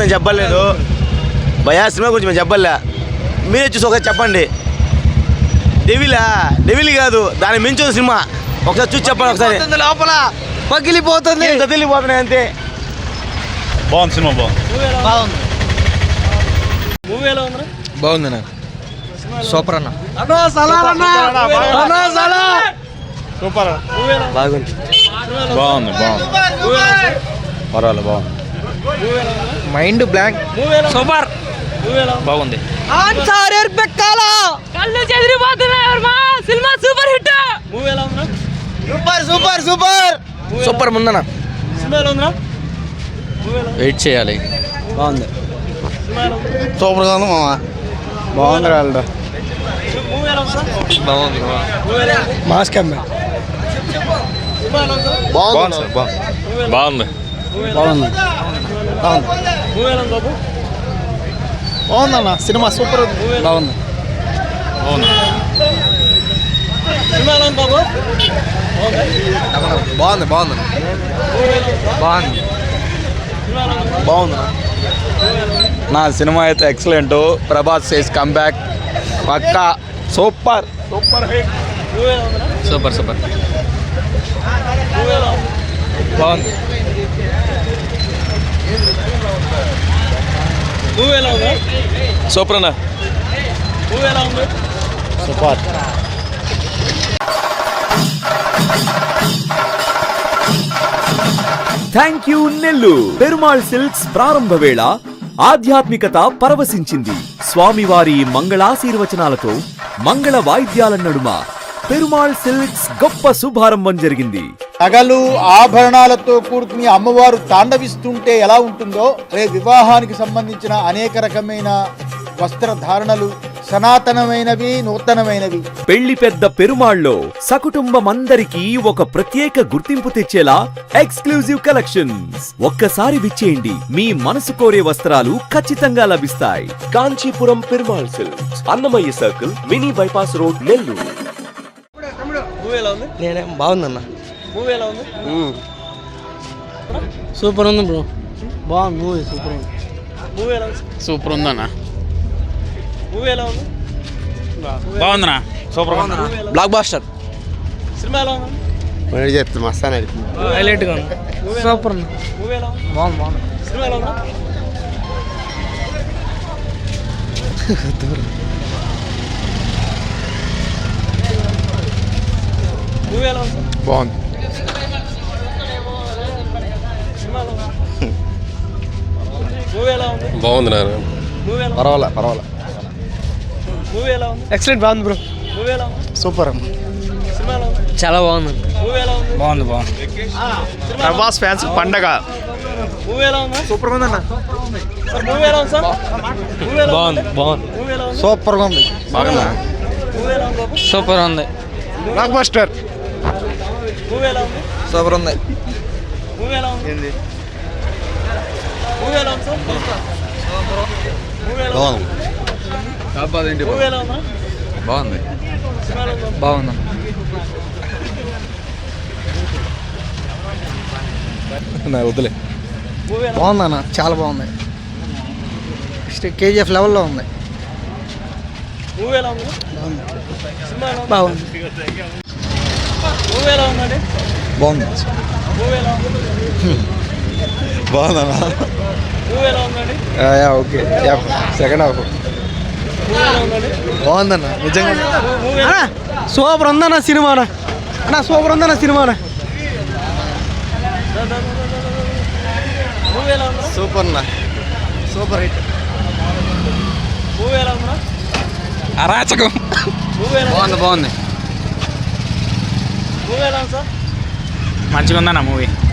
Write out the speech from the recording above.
మేము చెప్పలేదు భయా, సినిమా గురించి మేము చెప్పలే. మీరే చూసి ఒకసారి చెప్పండి. డెవిల్ కాదు, దాని మించిన సినిమా. ఒకసారి చూసి చెప్పండి. ఒకసారి లోపల పగిలిపోతుంది, తెలిపోతున్నాయి అంతే. బాగుంది సినిమా, బాగుంది నాకు. సూపర్ అన్న, సూపర్, బాగుంది, పర్వాలేదు, బాగుంది. Mind blank. సూపర్, బాగుంది. సినిమా సూపర్ హిట్. సూపర్ ముందన వెయిట్ చేయాలి. బాగుంది, సూపర్గా ఉంది మామ. బాగుంది వాళ్ళు. బాగుంది మాస్ కమ్మే. బాగుంది, బాగుంది, బాగుందన్న సినిమా. సూపర్, బాగుంది. బాగుంది బాగుంది నా సినిమా అయితే ఎక్సలెంట్. ప్రభాస్ సేస్ కంబ్యాక్ పక్కా. సూపర్ బాగుంది. సూపర్ అన్న, super. Thank you Nellore. Perumal silks ప్రారంభ వేళ ఆధ్యాత్మికత పరవశించింది. స్వామివారి మంగళాశీర్వచనాలతో మంగళ వాయిద్యాల నడుమ పెరుమాళ్ సిల్క్స్ గొప్ప శుభారంభం జరిగింది. నగలు ఆభరణాలతో కూడుకుని అమ్మవారు తాండవిస్తుంటే ఎలా ఉంటుందో వివాహానికి సంబంధించిన అనేక రకమైన వస్త్రధారణలు సనాతనమైనవి, నూతనమైనవి. పెళ్లి పెద్ద పెరుమాళ్లో సకుటుంబమందరికీ ఒక ప్రత్యేక గుర్తింపు తెచ్చేలా ఎక్స్క్లూజివ్ కలెక్షన్స్. ఒక్కసారి విచ్చేయండి, మీ మనసు కోరే వస్త్రాలు ఖచ్చితంగా లభిస్తాయి. Kanchipuram Perumal silks, Annamayya circle, mini bypass road, Nellore. బాగుందన్న. సూపర్ ఉంది బ్రో, బాగుంది మూవీ. సూపర్ ఉందన్న. బాగుందనా, super, blockbuster. Mastan highlight గా ఉంది. సూపర్ ఉంది, బాగుంది. బాగుంది. బాగుంది నాన్న, పర్వాలే. ఎక్సలెంట్, బాగుంది బ్రో. సూపర్, చాలా బాగుంది. బాగుంది. ప్రభాస్ ఫ్యాన్స్ పండగ. సూపర్ ఉందన్న. బాగుంది. సూపర్గా ఉంది. సూపర్ ఉంది. Block buster. సూపర్ ఉంది. బాగుంది. వదిలే. బాగుందన్న, చాలా బాగుంది. KGF లెవెల్లో ఉంది. బాగుంది. బాగుందన్నా, ఓకే. సెకండ్ హాఫ్ బాగుందన్న, నిజంగా సూపర్ ఉందన్న సినిమానా. సూపర్ ఉందన్న సినిమానా. సూపర్ అన్న, సూపర్ హిట్. అరాచకం. బాగుంది. మంచిగా ఉందన్న మూవీ.